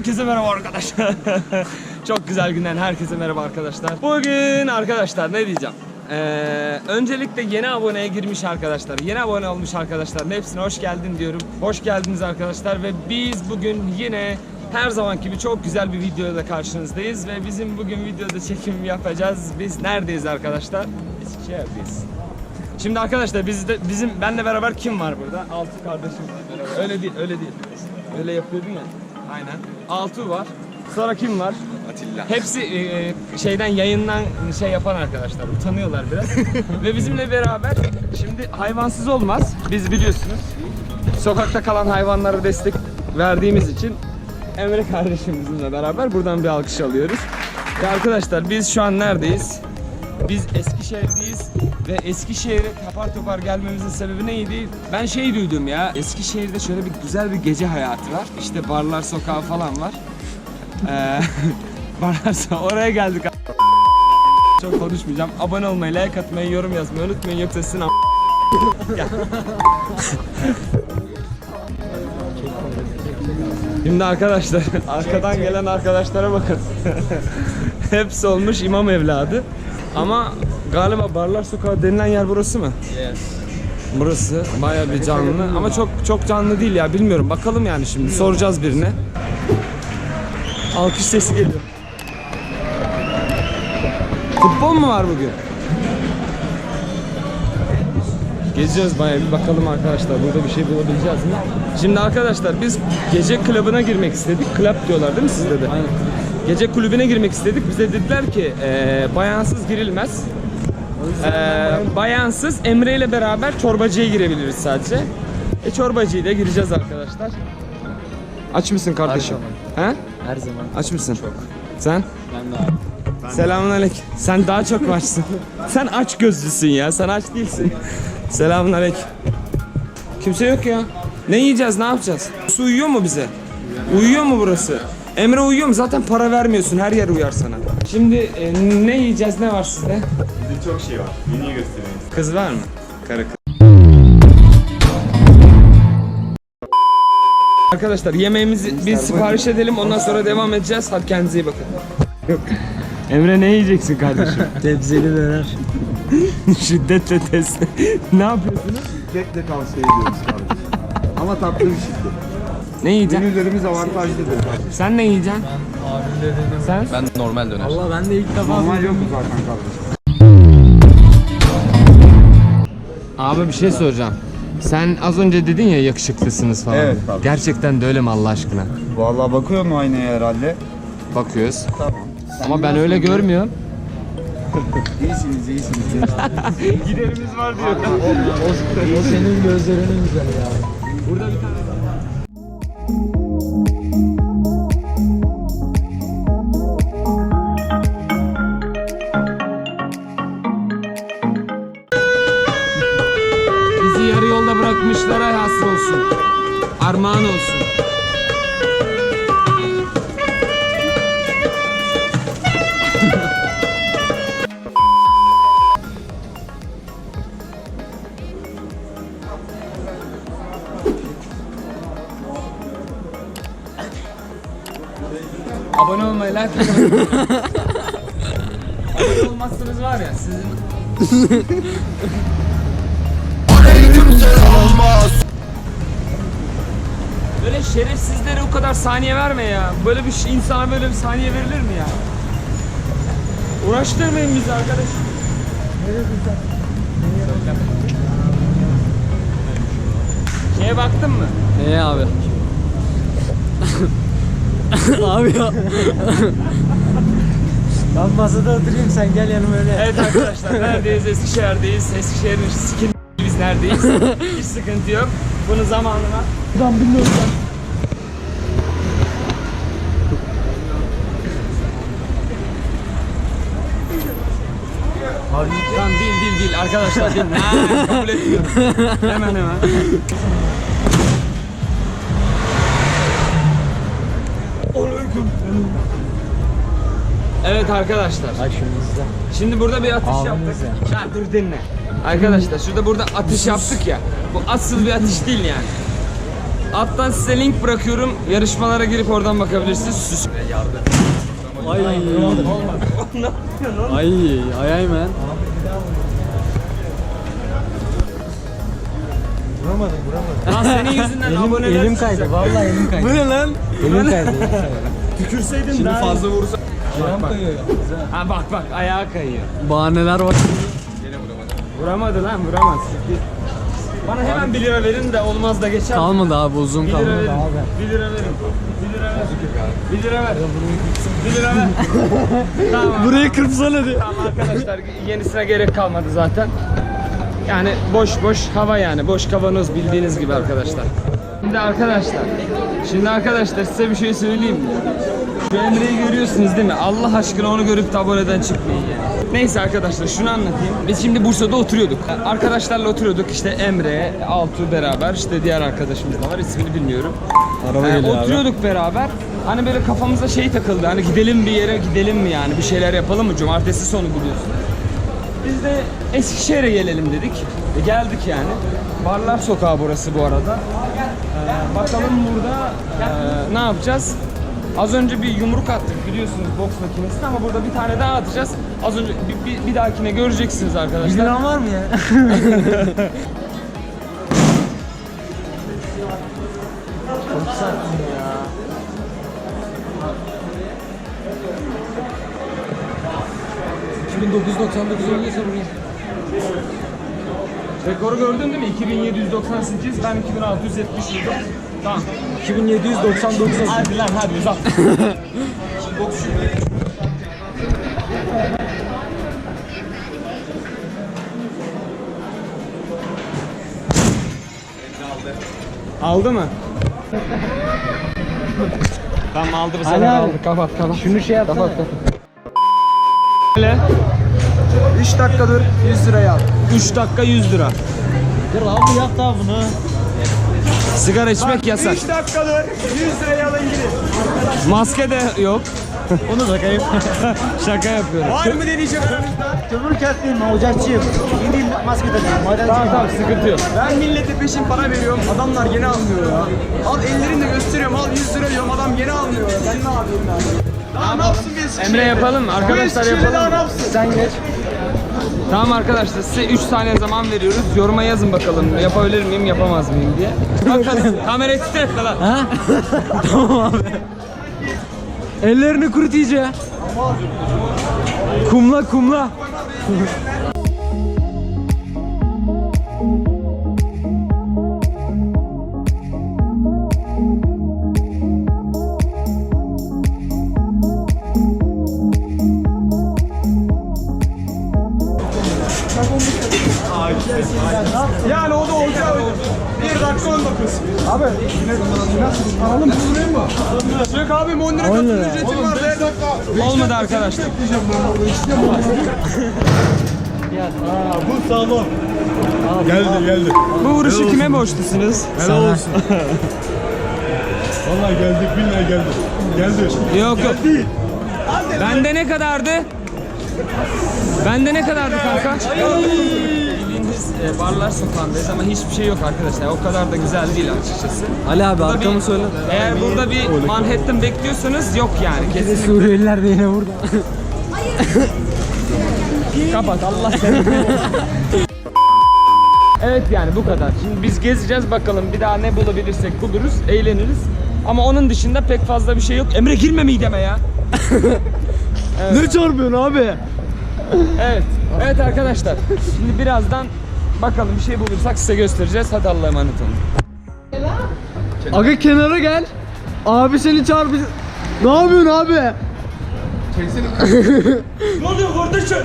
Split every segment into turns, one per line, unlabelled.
Herkese merhaba arkadaşlar. Çok güzel günden herkese merhaba arkadaşlar. Bugün arkadaşlar ne diyeceğim? Öncelikle yeni aboneye girmiş arkadaşlar, yeni abone olmuş arkadaşların hepsine hoş geldin diyorum. Hoş geldiniz arkadaşlar ve biz bugün yine her zamanki gibi çok güzel bir videoda karşınızdayız ve bizim bugün videoda çekim yapacağız. Biz neredeyiz arkadaşlar? Eskişehir'deyiz. Şimdi arkadaşlar benle beraber kim var burada? Altı kardeşim. Öyle değil. Öyle yapıyordun ya. Aynen. Altuğ var. Sonra kim var?
Atilla.
Hepsi şeyden yayından yapan arkadaşlar. Utanıyorlar biraz. Ve bizimle beraber şimdi hayvansız olmaz. Biz biliyorsunuz sokakta kalan hayvanlara destek verdiğimiz için Emre kardeşimizle beraber buradan bir alkış alıyoruz. Ve arkadaşlar biz şu an neredeyiz? Biz Eskişehir'deyiz ve Eskişehir'e apar topar gelmemizin sebebi neydi? Ben duydum ya, Eskişehir'de şöyle bir güzel bir gece hayatı var. İşte barlar sokağı falan var. Oraya geldik. Çok konuşmayacağım. Abone olmayı, like atmayı, yorum yazmayı unutmayın yoksa sizin Şimdi arkadaşlar arkadan gelen arkadaşlara bakın. Hepsi olmuş imam evladı. Ama galiba Barlar Sokağı denilen yer burası mı? Yes. Burası bayağı bir canlı ama çok canlı değil ya, bilmiyorum. Bakalım yani şimdi soracağız birine. Alkış sesi geliyor. Futbol mu var bugün? Gezeceğiz bayağı, bir bakalım arkadaşlar burada bir şey bulabileceğiz mi? Şimdi arkadaşlar biz gece klubuna girmek istedik. Club diyorlar değil mi sizde de? Aynen. Gece kulübüne girmek istedik. Bize dediler ki bayansız girilmez. Bayansız Emre ile beraber çorbacıya girebiliriz sadece. Çorbacıya da gireceğiz arkadaşlar. Aç mısın kardeşim?
Her zaman.
He?
Her zaman.
Aç mısın?
Çok.
Sen?
Ben de abi.
Selamünaleyküm. Sen daha çok varsın. Sen aç gözlüsün ya. Sen aç değilsin. Selamünaleyküm. Kimse yok ya. Ne yiyeceğiz? Ne yapacağız? Su uyuyor mu bize? Uyuyor mu burası? Emre uyuyor mu? Zaten para vermiyorsun. Her yer uyar sana. Şimdi ne yiyeceğiz? Ne var sizde?
Bizde çok şey var. Menüyü göstereyim.
Kız var mı? Karı kız. Arkadaşlar yemeğimizi biz sipariş edelim. Ondan sonra devam edeceğiz. Hadi kendinize iyi bakın. Emre ne yiyeceksin kardeşim?
Tebzeli döner.
Şiddetle test. Ne yapıyorsunuz?
Şiddetle tavsiye ediyoruz kardeşim. Ama tatlı bir şiddet.
Ne yiyeceksin?
Menülerimiz avantajlıdır.
Sen ne yiyeceksin?
Abim dedim.
Sen?
Ben normal döner. Allah ben de ilk defa
Normal yok mu zaten kardeşim?
Abi bir şey soracağım. Sen az önce dedin ya yakışıklısınız falan.
Evet, tabii.
Gerçekten de öyle mi Allah aşkına?
Vallahi bakıyor mu aynaya herhalde?
Bakıyoruz.
Tamam.
Ama ben öyle görmüyorum.
İyisiniz.
Giderimiz var diyor.
O senin gözlerinin güzel ya.
Burada bir tane bizi yarı yolda bırakmışlara hasıl olsun. Armağan olsun. Abone olmayı, like atmayı. Abone olmazsanız var ya sizin... Böyle şerefsizlere o kadar saniye verme ya. Böyle bir insana böyle bir saniye verilir mi ya? Uğraştırmayın bizi arkadaş. Şeye baktın mı?
Neye abi? Abi ya. Ben masada oturayım sen gel yanıma öyle.
Evet arkadaşlar neredeyiz? Eskişehir'deyiz. Eskişehir'in sikin biz neredeyiz? Hiç sıkıntı yok. Bunu zamanına.
Ben bilmiyorum ben.
Tamam değil arkadaşlar değil. Kabul etmiyorum. Hemen. Evet arkadaşlar.
Bak şunu izle.
Şimdi burada bir atış
Ağzını
yaptık.
izle.
Ha, dur dinle. Arkadaşlar burada atış yaptık ya. Bu asıl bir atış değil yani. Alttan size link bırakıyorum. Yarışmalara girip oradan bakabilirsiniz. Süs. Yardım.
Ay. Ay man. Vuramadım.
Lan senin yüzünden aboneler
Elim kaydı. Vallahi elim kaydı.
Bu ne lan?
Elim kaydı.
Tükürseydin
Şimdi
daha
fazla vursa.
Bak.
Ha bak ayağa kayıyor.
Bahaneler var.
Vuramadı lan vuramaz. Bana hemen 1 lira verin de olmaz da geçer.
Kalmadı abi, uzun
1 lira
kalmadı
verin.
abi.
1 lira verin. 1 lira ver. 1 lira ver. 1 lira ver. Tamam.
Burayı kırpsana diye.
Tamam arkadaşlar yenisine gerek kalmadı zaten. Yani boş hava yani. Boş kavanoz bildiğiniz gibi arkadaşlar. Şimdi arkadaşlar size bir şey söyleyeyim mi? Şu Emre'yi görüyorsunuz değil mi? Allah aşkına onu görüp de aboneden çıkmayın yani. Neyse arkadaşlar şunu anlatayım. Biz şimdi Bursa'da oturuyorduk. Arkadaşlarla oturuyorduk işte Emre, Altu beraber işte diğer arkadaşımız da var ismini bilmiyorum.
Araba geliyor abi.
Oturuyorduk beraber. Hani böyle kafamıza şey takıldı. Hani gidelim bir yere gidelim mi yani? Bir şeyler yapalım mı? Cumartesi sonu biliyorsun. Biz de Eskişehir'e gelelim dedik. Geldik yani. Barlar Sokağı burası bu arada. Bakalım burada ne yapacağız? Az önce bir yumruk attık biliyorsunuz boks makinesine ama burada bir tane daha atacağız. Az önce bir dahakine göreceksiniz arkadaşlar.
1 liran var mı ya? Çok sattım ya. $2999 oynayırsa buraya.
Rekoru gördün değil mi? 2798, ben 2670 yıldım. Tamam.
2799
Hadi lan hadi uzat. Aldı mı? Tamam aldı bu sefer
Ali abi.
aldı. Kapat.
Şunu şey yap.
Kapat. Öyle.
3 dakika dur 100 liraya al.
3 dakika 100 lira.
Dur abi yap daha bunu.
Sigara içmek yasak.
3 dakika dur 100 liraya alın gidin.
Maske de yok. Onu da kayıp. Şaka yapıyorum.
Var mı deneyecek aranızda?
Kömür kesmeyeyim ben ocakçıyım. Gideyim maske takayım.
Tamam sıkıntı yok.
Ben millete peşin para veriyorum. Adamlar gene almıyor ya. Al ellerini de gösteriyorum. Al 100 lira diyorum. Adam gene almıyor ya. Ben ne yapayım ben? Daha ne yapsın biz?
Emre yapalım mı? Arkadaşlar
Daha
yapalım
ne
mı?
yapsın?
Sen geç.
Tamam arkadaşlar size 3 saniye zaman veriyoruz. Yoruma yazın bakalım yapabilir miyim yapamaz mıyım diye. Bakalım kamerayı titretme lan.
Ha? Tamam abi. Ellerini kurut iyice. Kumla.
Yani o da olacak. 1 dakika 19. Abi nasıl? Alalım mı? Yok abi 10 lira katıl ücretim var. 1 dakika.
Olmadı arkadaşlar.
Bu sağlam. Geldi.
Bu vuruşu kime borçlusunuz?
Helal olsun. Vallahi geldik billahi geldi.
Yok. Bende ne kadardı? Bende ne kadardı kanka? Bildiğiniz Barlar Sokağı'ndayız ama hiçbir şey yok arkadaşlar. O kadar da güzel değil açıkçası.
Ali abi
Burada
arkamı söyle.
Eğer burada bir Manhattan bekliyorsanız yok yani kesin.
Suriyeliler de yine burada.
Kapat Allah seni. Evet yani bu kadar. Şimdi biz gezeceğiz bakalım bir daha ne bulabilirsek buluruz, eğleniriz. Ama onun dışında pek fazla bir şey yok. Emre girme mideme ya.
Ne çarpıyorsun abi?
Evet. Evet arkadaşlar. Şimdi birazdan bakalım bir şey bulursak size göstereceğiz. Hadi Allah'a emanet olun.
Aga kenara gel. Abi seni çarpacak. Ne yapıyorsun abi?
Ne oluyor kardeşim?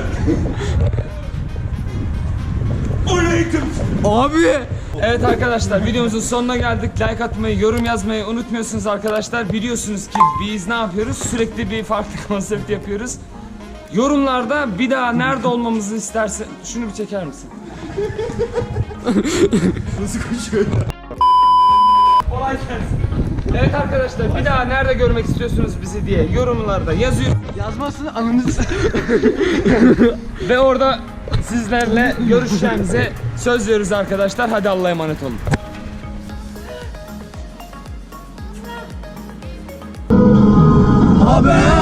Aleyküm.
Abi.
Evet arkadaşlar videomuzun sonuna geldik. Like atmayı, yorum yazmayı unutmuyorsunuz arkadaşlar. Biliyorsunuz ki biz ne yapıyoruz? Sürekli bir farklı konsept yapıyoruz. Yorumlarda bir daha nerede olmamızı istersen... Şunu bir çeker misin?
Nasıl koşuyor?
Kolay gelsin. Evet arkadaşlar bir daha nerede görmek istiyorsunuz bizi diye yorumlarda yazıyor.
Yazmasın anınızı.
Ve orada sizlerle görüşeceğimize söz veriyoruz arkadaşlar. Hadi Allah'a emanet olun.
Haber.